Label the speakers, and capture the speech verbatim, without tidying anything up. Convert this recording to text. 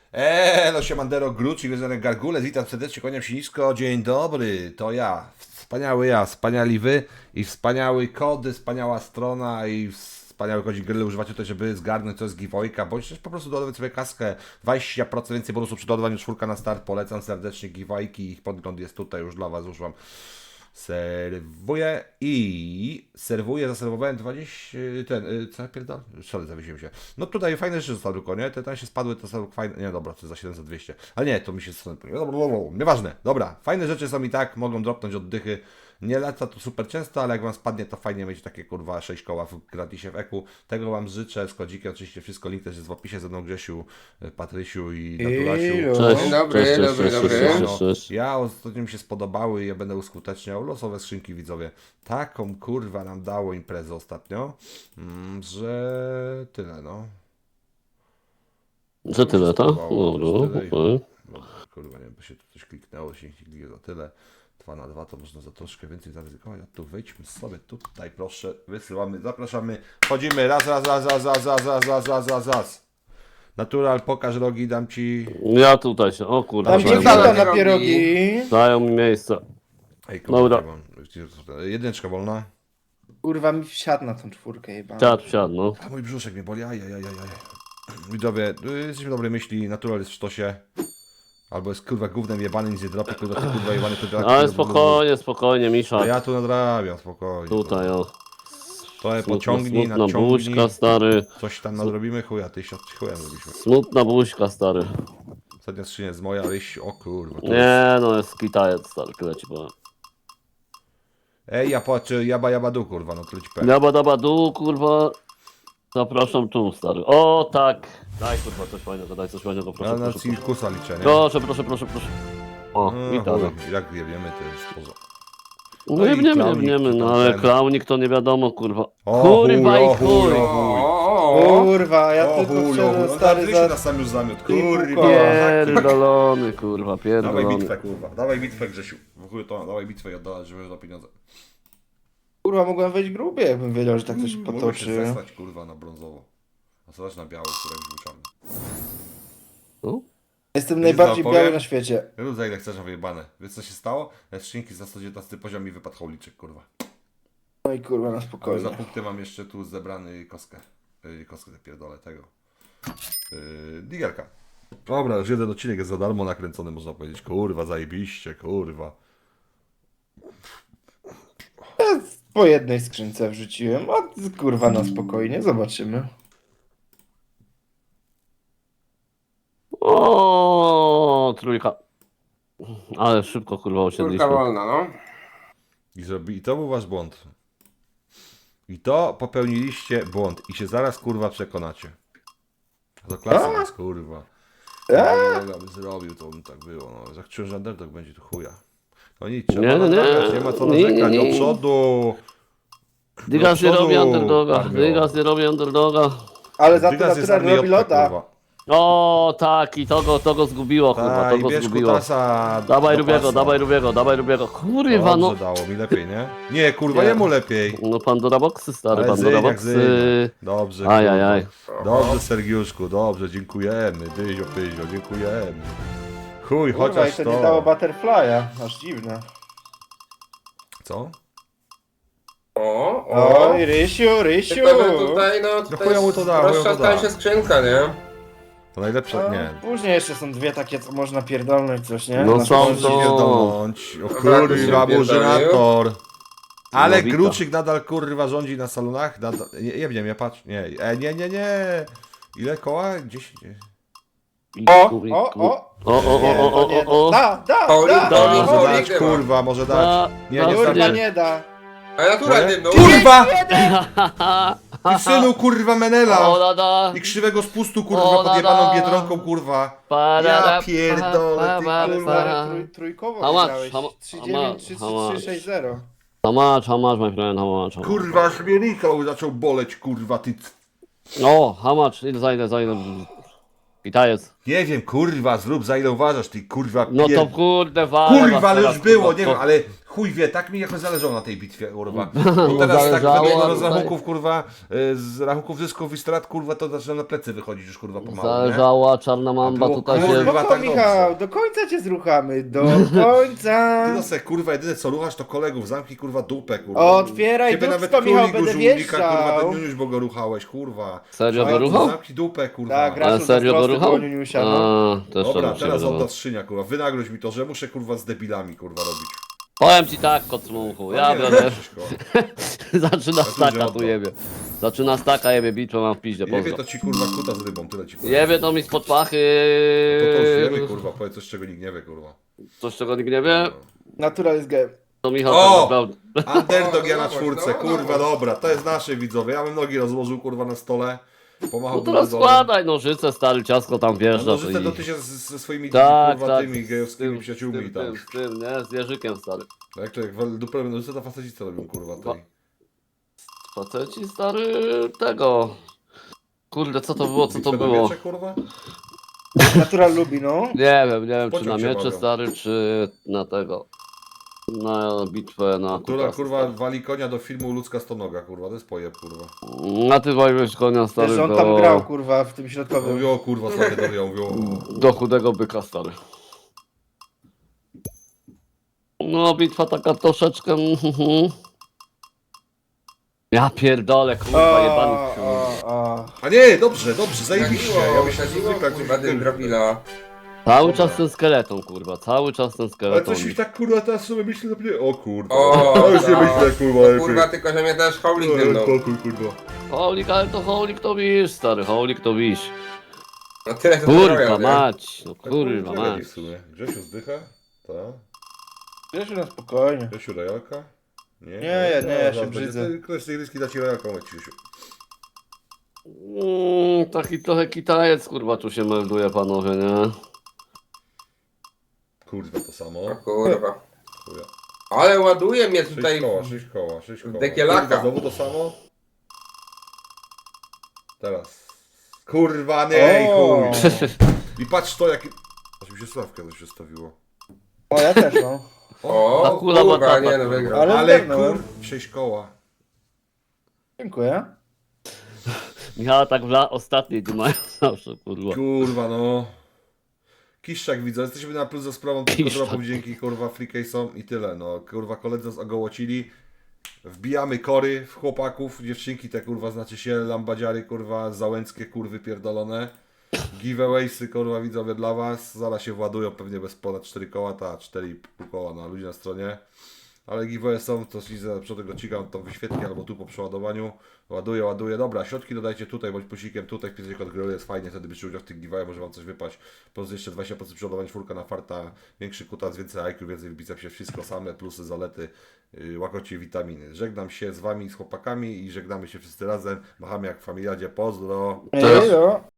Speaker 1: Eee, no siemandero, Grucz i Gryzonek Gargulec, witam serdecznie, kłaniam się nisko, dzień dobry, to ja, wspaniały ja, wspaniali wy i wspaniały kody, wspaniała strona i wspaniały kodzik gry używacie tutaj, żeby zgarnąć coś z giveawayka, bądź też po prostu dodawać sobie kaskę, dwadzieścia procent więcej bonusów przy dodawaniu czwórka na start, polecam serdecznie giveawayki, ich podgląd jest tutaj już dla was, już wam serwuję i serwuję, zaserwowałem dwadzieścia, ten, y, co ja pierdolę? Sorry, zawiesiłem się. No tutaj fajne rzeczy zostały tylko, nie? Te tam się spadły, to są fajne, nie dobra, to jest za siedem za dwieście, ale nie, to mi się strony, nieważne, dobra, fajne rzeczy są i tak, mogą dropnąć oddychy, nie lata to super często, ale jak wam spadnie, to fajnie mieć takie kurwa sześć koła w gratisie w eku, tego wam życzę, z kodzikiem oczywiście wszystko, link też jest w opisie, ze mną Grzesiu, Patrysiu i Naturasiu.
Speaker 2: Cześć.
Speaker 3: Dzień dobry,
Speaker 2: Cześć, cześć,
Speaker 3: dobry,
Speaker 2: cześć,
Speaker 3: dobry.
Speaker 2: cześć,
Speaker 1: No,
Speaker 2: cześć, cześć.
Speaker 1: ja ostatnio mi się spodobały i ja będę uskuteczniał losowe skrzynki, widzowie. Taką kurwa nam dało imprezę ostatnio, mm, że tyle, no.
Speaker 2: Że tyle, tak?
Speaker 1: Spodobało,
Speaker 2: No,
Speaker 1: że
Speaker 2: no,
Speaker 1: tyle i-
Speaker 2: okej.
Speaker 1: no, kurwa, nie wiem, bo się tu coś kliknęło, się nie kliknie za tyle. dwa na dwa to można za troszkę więcej zaryzykować. A tu wejdźmy sobie tutaj, proszę, wysyłamy, zapraszamy, chodzimy, raz, raz, raz, raz, raz, raz, raz, raz, raz, raz, raz. Natural, pokaż rogi, dam ci...
Speaker 2: Ja tutaj się, o kurde,
Speaker 3: Tam
Speaker 2: dają,
Speaker 3: gdzie
Speaker 2: dają,
Speaker 3: chata na pierogi.
Speaker 2: dają mi miejsce.
Speaker 1: Ej,
Speaker 2: Dobra.
Speaker 1: kurwa, mam- jedyneczka wolna.
Speaker 3: Kurwa mi wsiadł na tą czwórkę jeba.
Speaker 2: Siad, siad, no.
Speaker 1: A mój brzuszek mnie boli, ajajajajaj. Widzowie, y, jesteśmy dobrej myśli, Natural jest w sztosie. Albo jest kurwa gównem jebany, nic nie dropie, kurwa, ty kurwa jebany, kurwa.
Speaker 2: Ale spokojnie, spokojnie,
Speaker 1: A
Speaker 2: Misza.
Speaker 1: ja tu nadrabiam, spokojnie.
Speaker 2: Tutaj, o.
Speaker 1: Trochę
Speaker 2: Smutna,
Speaker 1: pociągnij,
Speaker 2: smutna
Speaker 1: nadciągnij.
Speaker 2: buźka, stary.
Speaker 1: Coś tam nadrobimy, chuja, ty się chuja zrobiliśmy.
Speaker 2: Smutna buźka, stary.
Speaker 1: Ostatnia skrzynia jest moja, ryś, o kurwa. to jest-
Speaker 2: Nie, no jest kitajec, stary, tyle ci powiem.
Speaker 1: Ej, ja patrzę, jaba jaba du, kurwa, no tyle ci powiem.
Speaker 2: Daba, daba, du, kurwa. Zapraszam tu, stary. O, tak. Daj, kurwa, coś fajnego, daj coś fajnego, proszę,
Speaker 1: Ja na
Speaker 2: proszę. Proszę,
Speaker 1: cirkusa liczę, nie?
Speaker 2: proszę, proszę, proszę. proszę. O,
Speaker 1: No,
Speaker 2: witamy.
Speaker 1: chuj, jak wiemy, to jest poza.
Speaker 2: No
Speaker 1: No i
Speaker 2: nie wiemy, nie
Speaker 1: klaunik,
Speaker 2: wiemy,
Speaker 1: czy
Speaker 2: no
Speaker 1: tam
Speaker 2: ale
Speaker 1: ten.
Speaker 2: klaunik to nie wiadomo, kurwa.
Speaker 1: O,
Speaker 2: Kurwa
Speaker 1: chuj,
Speaker 2: i
Speaker 1: o, chuj,
Speaker 2: chuj.
Speaker 1: o,
Speaker 3: Kurwa, ja
Speaker 1: O
Speaker 3: tylko
Speaker 1: chuj, o chuj,
Speaker 3: wszedłem
Speaker 1: no
Speaker 3: stary
Speaker 1: stary
Speaker 3: za...
Speaker 1: na sam już zamiot,
Speaker 3: Ty
Speaker 1: kurwa.
Speaker 3: puko.
Speaker 2: Pierdolony, kurwa,
Speaker 1: Dawaj
Speaker 2: pierdolony.
Speaker 1: bitwę, kurwa, dawaj bitwę, Grzesiu. W chuj to, dawaj bitwę i oddalać, żeby za pieniądze.
Speaker 3: Kurwa, mogłem wejść grubie, jakbym wiedział, że tak to się
Speaker 1: Mogę się
Speaker 3: potoczy.
Speaker 1: zesłać, kurwa, na brązowo. A co na biało, które już był czarny.
Speaker 2: No?
Speaker 3: Jestem
Speaker 1: Wiesz,
Speaker 3: najbardziej
Speaker 1: co
Speaker 3: biały
Speaker 1: powiem?
Speaker 3: na świecie.
Speaker 1: Rób za ile chcesz, a wyjebane. Wiesz co się stało? Na skrzynki za sto dziewiętnasty poziom mi wypadł hołliczek, kurwa.
Speaker 3: No i kurwa, na
Speaker 1: Ale za
Speaker 3: spokojnie.
Speaker 1: punkty mam jeszcze tu zebrany kostkę. Yy, kostkę pierdolę tego. Yy, digerka. Dobra, już jeden odcinek jest za darmo nakręcony, można powiedzieć. Kurwa, zajebiście, kurwa.
Speaker 3: Po jednej skrzynce wrzuciłem, a kurwa na spokojnie, zobaczymy.
Speaker 2: O, trójka. Ale szybko, kurwa, osiedliśmy.
Speaker 4: Kurka wolna, no.
Speaker 1: I, zrobi, I to był wasz błąd. I to popełniliście błąd. I się zaraz, kurwa, przekonacie. To klasa jest, kurwa.
Speaker 3: A?
Speaker 1: Ja bym zrobił, to bym tak było. No. Jak czułem, że underdog będzie tu chuja. No nic, trzeba
Speaker 2: Nie, nie, nie.
Speaker 1: nadrabiać, nie ma co
Speaker 2: Nie, nie,
Speaker 1: narzekać.
Speaker 2: nie.
Speaker 1: Do przodu.
Speaker 2: Digas nie
Speaker 1: Do
Speaker 2: robi
Speaker 1: przodu,
Speaker 2: underdoga,
Speaker 1: armio.
Speaker 2: Digas nie robi underdoga.
Speaker 3: Ale za to
Speaker 1: Dygas jest
Speaker 3: natural robi
Speaker 1: armiotka,
Speaker 3: loda.
Speaker 1: kurwa.
Speaker 2: O, tak, i to go, to go zgubiło, kurwa,
Speaker 1: Ta,
Speaker 2: to
Speaker 1: i
Speaker 2: go
Speaker 1: bierz
Speaker 2: zgubiło.
Speaker 1: kutasa.
Speaker 2: Dawaj
Speaker 1: do
Speaker 2: Rubiego,
Speaker 1: pasa.
Speaker 2: dawaj Rubiego, dawaj Rubiego. Kurwa, no.
Speaker 1: Dobrze dało mi lepiej, nie? Nie, kurwa,
Speaker 2: Nie.
Speaker 1: jemu lepiej.
Speaker 2: No Pandora Boxy, stary,
Speaker 1: Ale
Speaker 2: Pandora
Speaker 1: zyń jak
Speaker 2: Boxy.
Speaker 1: zyń. Dobrze,
Speaker 2: Aj,
Speaker 1: kurwa.
Speaker 2: aj, aj.
Speaker 1: Dobrze, Sergiuszku, dobrze, dziękujemy. Dyzio, pyzio, dziękujemy. Chuj,
Speaker 3: Kurwa, i
Speaker 1: chociaż
Speaker 3: to
Speaker 1: to...
Speaker 3: nie dało butterfly'a, aż dziwne.
Speaker 1: Co?
Speaker 4: O, o.
Speaker 3: Oj, Rysiu, Rysiu!
Speaker 4: Tylko, że tutaj, no, tutaj
Speaker 1: chuja mu to da, chuja mu to
Speaker 4: roztrzastała
Speaker 1: da.
Speaker 4: się skrzynka, nie?
Speaker 1: To najlepsze,
Speaker 3: A,
Speaker 1: nie.
Speaker 3: Później jeszcze są dwie takie, co można pierdolnąć coś, nie?
Speaker 2: No
Speaker 3: Na
Speaker 2: są
Speaker 3: przykład-
Speaker 2: to-
Speaker 1: Pierdolnąć. O
Speaker 4: Dobra,
Speaker 1: kurwa,
Speaker 4: to się pierdolił.
Speaker 1: burzynator. Ale
Speaker 2: No, wita.
Speaker 1: Gruczyk nadal kurwa rządzi na salonach. Nadal... Nie, nie wiem, ja patrzę. Nie, e, nie, nie, nie. Ile koła? dziesięć.
Speaker 3: O,
Speaker 2: Iku, iku.
Speaker 3: o, o!
Speaker 2: O, o, o,
Speaker 3: Nie,
Speaker 2: o,
Speaker 3: to
Speaker 2: o,
Speaker 3: nie,
Speaker 2: o, o.
Speaker 3: Da, da,
Speaker 4: Paulin,
Speaker 3: da!
Speaker 4: Paulin,
Speaker 1: Może
Speaker 4: Paulin,
Speaker 1: dać,
Speaker 4: nie ma.
Speaker 1: kurwa, może dać.
Speaker 2: Da,
Speaker 1: Nie,
Speaker 2: da,
Speaker 1: nie
Speaker 3: Kurwa,
Speaker 1: starczy.
Speaker 3: nie da!
Speaker 4: A natura
Speaker 1: Moje?
Speaker 4: dymną.
Speaker 1: Kurwa! Ty synu kurwa
Speaker 2: O,
Speaker 1: Menela!
Speaker 2: da, da.
Speaker 1: I krzywego spustu kurwa
Speaker 2: O,
Speaker 1: pod
Speaker 2: da,
Speaker 1: jebaną
Speaker 2: da.
Speaker 1: Biedronką kurwa.
Speaker 2: Pa, da,
Speaker 1: Ja
Speaker 2: da,
Speaker 1: pierdolę, ty,
Speaker 2: pa, pa,
Speaker 1: kurwa.
Speaker 2: pa.
Speaker 3: Kurwa, trój, trójkowo
Speaker 2: How much?
Speaker 3: wygrałeś.
Speaker 2: How mu-
Speaker 3: trzy
Speaker 2: how
Speaker 3: dziewięć,
Speaker 2: much?
Speaker 3: trzy
Speaker 2: How much?
Speaker 3: trzy sześć zero.
Speaker 2: How much, how much, my friend, how much? how much?
Speaker 1: Kurwa, aż mnie Rikał zaczął boleć kurwa ty.
Speaker 2: O, how much, ile, za ile, za ile? Kitajec.
Speaker 1: Nie wiem kurwa, zrób za ile uważasz ty kurwa
Speaker 2: No
Speaker 1: pier-
Speaker 2: to kurde, wale was
Speaker 1: Kurwa, ale
Speaker 2: teraz,
Speaker 1: już było,
Speaker 2: kurwa,
Speaker 1: nie
Speaker 2: to-
Speaker 1: wiem, ale Chuj wie, tak mi jakoś zależało na tej bitwie, kurwa.
Speaker 2: No,
Speaker 1: Bo teraz tak
Speaker 2: zależało,
Speaker 1: według
Speaker 2: a
Speaker 1: rozrachunków, kurwa, y, z rachunków zysków i strat, kurwa, to zaczyna na plecy wychodzić już, kurwa, pomału, nie?
Speaker 2: Zależała, czarna mamba
Speaker 1: było,
Speaker 2: tutaj
Speaker 1: kurwa,
Speaker 2: się...
Speaker 1: Chyba
Speaker 3: Spoko,
Speaker 1: tak
Speaker 3: Michał,
Speaker 1: dobrze.
Speaker 3: do końca cię zruchamy, do końca.
Speaker 1: Ty no se, kurwa, jedyne co ruchasz to kolegów, zamknij, kurwa, dupę, kurwa.
Speaker 3: Otwieraj
Speaker 1: Ciebie nawet
Speaker 3: dupsko, Michał,
Speaker 1: królik
Speaker 3: będę
Speaker 1: żółwika, kurwa,
Speaker 3: wjeżdżał.
Speaker 1: ten Niuniuś, bo go ruchałeś, kurwa.
Speaker 2: Serio
Speaker 1: Szajku,
Speaker 2: go ruchał?
Speaker 1: Zamknij dupę, kurwa.
Speaker 3: Tak, gra-
Speaker 2: Ale
Speaker 3: Raszu
Speaker 2: serio go
Speaker 3: zazdrosny
Speaker 2: ruchał?
Speaker 3: było Niuniusia, no.
Speaker 2: A, to jeszcze
Speaker 1: Dobra,
Speaker 2: bym się
Speaker 1: teraz
Speaker 2: wydawał.
Speaker 1: odda skrzynia, kurwa. Wynagrodź mi to, że muszę, kurwa, z debilami, kurwa, robić.
Speaker 2: Powiem ci tak, kocmuchu, ja
Speaker 1: No nie,
Speaker 2: biorę.
Speaker 1: Krzyśko.
Speaker 2: Zaczyna
Speaker 1: tu
Speaker 2: staka,
Speaker 1: nie
Speaker 2: tu
Speaker 1: oddam.
Speaker 2: jebie. Zaczyna staka, jebie bitwę, mam w piździe,
Speaker 1: Jebie
Speaker 2: pozdro.
Speaker 1: to ci, kurwa, kuta z rybą, tyle ci powiem.
Speaker 2: Jebie to mi spod pachy.
Speaker 1: To to już wiemy, kurwa, powiedz coś, czego nikt nie wie, kurwa.
Speaker 2: Coś, czego nikt nie wie,
Speaker 3: Natural jest game.
Speaker 2: to Michał
Speaker 1: O!
Speaker 2: tak naprawdę.
Speaker 1: Underdog ja na
Speaker 4: Zobacz,
Speaker 1: czwórce,
Speaker 4: zobacz.
Speaker 1: kurwa, dobra, to jest nasze widzowie. Ja bym nogi rozłożył, kurwa, na stole. Pomachał
Speaker 2: No to składaj nożyce, stary, ciasko tam wjeżdża.
Speaker 1: Nożyce
Speaker 2: i-
Speaker 1: to ty się z- ze swoimi
Speaker 2: Tak,
Speaker 1: kurwa,
Speaker 2: tak.
Speaker 1: tymi
Speaker 2: z
Speaker 1: gejowskimi
Speaker 2: tym,
Speaker 1: przyjaciółmi
Speaker 2: z
Speaker 1: i
Speaker 2: tym,
Speaker 1: tam.
Speaker 2: z tym, nie? Z jeżykiem, stary.
Speaker 1: Jak to, jak wal- dupę nożyce to faceci co robią, kurwa, tej.
Speaker 2: Faceci, stary, tego. Kurde, co to było, co to
Speaker 1: Bitwę na
Speaker 2: było?
Speaker 1: miecze, kurwa?
Speaker 3: Natural lubi, no.
Speaker 2: Nie wiem, nie wiem, czy
Speaker 1: Pociąg
Speaker 2: na
Speaker 1: się
Speaker 2: miecze,
Speaker 1: bawią.
Speaker 2: stary, czy na tego. Na bitwę, na
Speaker 1: Która,
Speaker 2: kutasy,
Speaker 1: kurwa,
Speaker 2: stary.
Speaker 1: wali konia do filmu Ludzka Stonoga, kurwa, to jest pojeb, kurwa.
Speaker 2: A ty weźmiesz konia, stary,
Speaker 3: Wiesz, on
Speaker 2: do...
Speaker 3: tam grał, kurwa, w tym środkowym.
Speaker 1: Mówią, kurwa, stary dowią, mówią.
Speaker 2: do chudego byka, stary. No, bitwa taka troszeczkę... mhm. Ja pierdolę, kurwa, jebany
Speaker 3: O,
Speaker 2: wsiód.
Speaker 3: o, o.
Speaker 1: A nie, dobrze, dobrze, zajebiście. Ja
Speaker 4: Sadziło,
Speaker 1: myślę, że
Speaker 4: sadziło,
Speaker 1: zwykle
Speaker 4: kurwa,
Speaker 1: coś
Speaker 4: ten drobila.
Speaker 2: Cały czas ten skeleton, kurwa, cały czas ten
Speaker 1: Ale
Speaker 2: skeleton.
Speaker 1: coś mi tak, kurwa, teraz sobie myślę, że... O kurwa,
Speaker 4: O,
Speaker 1: ja już nie
Speaker 4: no.
Speaker 1: myślę, kurwa,
Speaker 4: O,
Speaker 1: lepiej.
Speaker 4: kurwa, tylko że mnie też haulik
Speaker 1: No,
Speaker 4: dymnął.
Speaker 1: spokój, kurwa.
Speaker 2: Holik, ale to holik to wisz, stary, holik to wisz.
Speaker 4: No tyle co
Speaker 2: Kurwa
Speaker 4: zrobił, nie?
Speaker 2: mać, no
Speaker 1: Tak,
Speaker 2: kurwa
Speaker 1: lepiej
Speaker 2: mać.
Speaker 1: w sumie. Grzesiu zdycha? Tak.
Speaker 3: Wiesz, na spokojnie.
Speaker 1: Grzesiu rojalka? Nie,
Speaker 3: Nie, ja- nie, ja się
Speaker 1: zaraz
Speaker 3: brzydzę.
Speaker 1: będzie- Ktoś z tej ryski da ci rojalką, jak Grzesiu.
Speaker 2: Mm, taki trochę kitajec, kurwa, tu się melduje, panowie, nie?
Speaker 1: Kurwa, to samo.
Speaker 4: O kurwa.
Speaker 1: Chuja.
Speaker 4: Ale ładuje mnie
Speaker 1: Sześć
Speaker 4: tutaj.
Speaker 1: koła, sześć koła, sześć koła.
Speaker 4: Dekielaka.
Speaker 1: Kurwa, znowu to samo? Teraz. Kurwa, nie,
Speaker 3: O.
Speaker 1: chuj. I patrz to, jakie... Aż mi się sławka coś przestawiło.
Speaker 3: O, ja też mam.
Speaker 4: O,
Speaker 2: Ta kula
Speaker 4: kurwa,
Speaker 2: batata,
Speaker 4: nie no
Speaker 2: kurwa.
Speaker 4: wygrał.
Speaker 3: Ale
Speaker 1: Ale
Speaker 3: zgarnąłem.
Speaker 1: kur... sześć koła.
Speaker 3: Dziękuję.
Speaker 2: Michała tak w la... ostatniej dymają zawsze, kurwa.
Speaker 1: Kurwa, no. Kiszczak widzę, jesteśmy na plus za sprawą tylko
Speaker 2: Kiszczak.
Speaker 1: dropów dzięki kurwa freecase'om i tyle, no. Kurwa, koledzy nas ogołocili. Wbijamy kory w chłopaków, dziewczynki te kurwa, znaczy się lambadziary kurwa, załęckie kurwy pierdolone. Giveawaysy kurwa widzowie dla was, zaraz się władują pewnie bez ponad cztery koła, ta cztery i pół koła na ludzi na stronie. Ale giveaway są, to się za przodem go cigam tą wyświetkę albo tu po przeładowaniu. Ładuję, ładuję. Dobra, środki dodajcie tutaj, bądź plusikiem tutaj, wpisujcie kod gry, jest fajnie, wtedy byście udział w tych giveaway, może wam coś wypaść. Plus jeszcze dwadzieścia procent przeładowania, czwórka na farta, większy kutas, więcej I Q, więcej w bicepsie, wszystko same, plusy, zalety, yy, łakocie witaminy. Żegnam się z wami, z chłopakami i żegnamy się wszyscy razem. Machamy jak w familiadzie, pozdro.
Speaker 3: Ej, no.